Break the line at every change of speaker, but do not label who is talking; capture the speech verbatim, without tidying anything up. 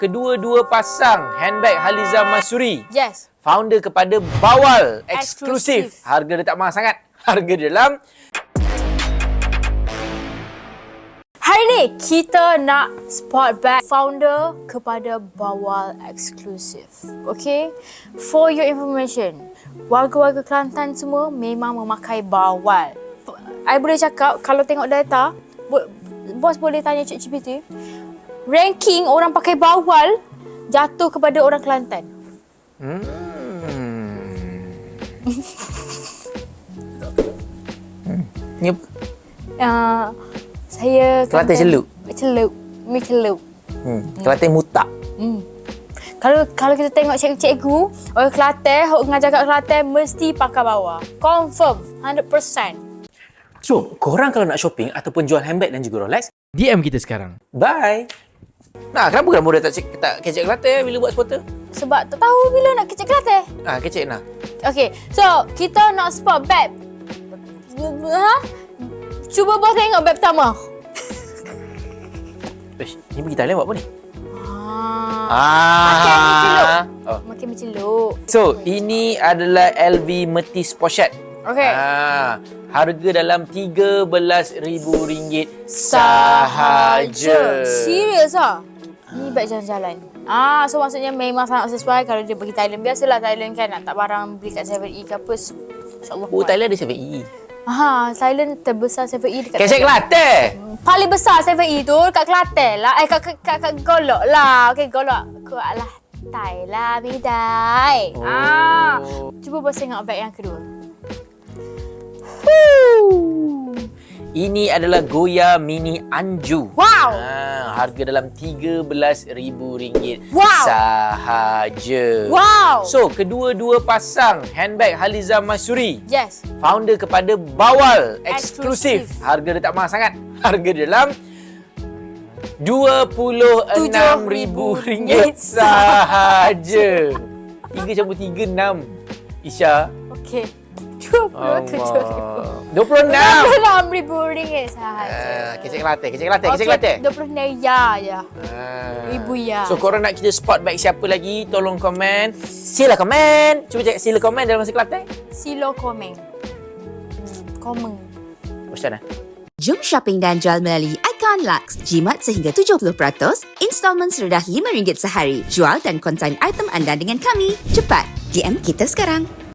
kedua-dua pasang handbag Haliza Masyuri.
Yes.
Founder kepada Bawal eksklusif.
Eksklusif.
Harga dia tak mahal sangat. Harga dia dalam
Hari ni kita nak spot bag founder kepada Bawal eksklusif. Okay? For your information, warga-warga Kelantan semua memang memakai Bawal. I boleh cakap kalau tengok data, bo- bos boleh tanya ChatGPT, ranking orang pakai Bawal jatuh kepada orang Kelantan.
Hmm. hmm. Ni apa?
Uh, saya
Kelantan celup.
Celup. Mi celup.
Hmm. Kelantan mutak.
Hmm. Kalau kalau kita tengok cikgu-cikgu, orang Kelantan, orang ngajar kat Kelantan mesti pakai Bawal. Confirm, one hundred percent.
So, korang kalau nak shopping ataupun jual handbag dan juga Rolex,
D M kita sekarang.
bye. Nah, kenapa kan muda tak cek tak kecek Kelantan bila buat spotter?
Sebab tak tahu bila nak kecek Kelantan.
Ah, kecek nah.
Okay, so kita nak spot bag. Ha? Cuba bos tengok bag pertama.
Ish, ni pergi Thailand buat apa ni?
Ah.
Ah.
Makin mencelup.
Oh.
Makin mencelup.
So, ini adalah L V Metis Pochette.
Okay.
Ah, harga dalam tiga belas ribu ringgit sahaja.
Serius ah? Ni beg jalan-jalan. Ah, so maksudnya memang sangat sesuai kalau dia pergi Thailand. Biasalah Thailand kan nak tak barang beli kat seven E ke apa. InsyaAllah.
Oh, Thailand ada seven E.
Ha, Thailand terbesar seven E dekat
Kecek Kelantan.
Paling besar seven E tu kat Kelantan lah. Eh, kat, kat, kat, kat Golok lah. Okay, Golok. Kuat lah. Thai lah, Midai.
Oh.
Ah, cuba bos tengok beg yang kedua. Woo.
Ini adalah Goya Mini Anju.
Wow.
Ah, harga dalam tiga belas ribu ringgit
Wow.
sahaja.
Wow.
So, kedua-dua pasang handbag Haliza Masyuri.
Yes.
Founder kepada Bawal eksklusif.
Eksklusif.
Harga dia tak mahal sangat. Harga dia dalam dua puluh enam ribu ringgit sahaja. tiga campur tiga, enam. Isya.
Okay. dua puluh tujuh ribu.
dua puluh enam.
dua puluh enam ribu ringgit sahaja.
Ah, kecek Kelantan, kecek Kelantan, kecek Kelantan.
dua puluh enam ya ya.
Ah.
Ribu ya.
So, korang nak kita spot bag siapa lagi? Tolong komen. Sila komen. Cuba cek sila komen dalam bahasa Kelantan.
Silo komen. Hmm, komen.
Macam mana?
Jom shopping dan jual melalui Icon Lux. Jimat sehingga tujuh puluh peratus, installmen serendah lima ringgit sehari. Jual dan konsign item anda dengan kami. Cepat, D M kita sekarang.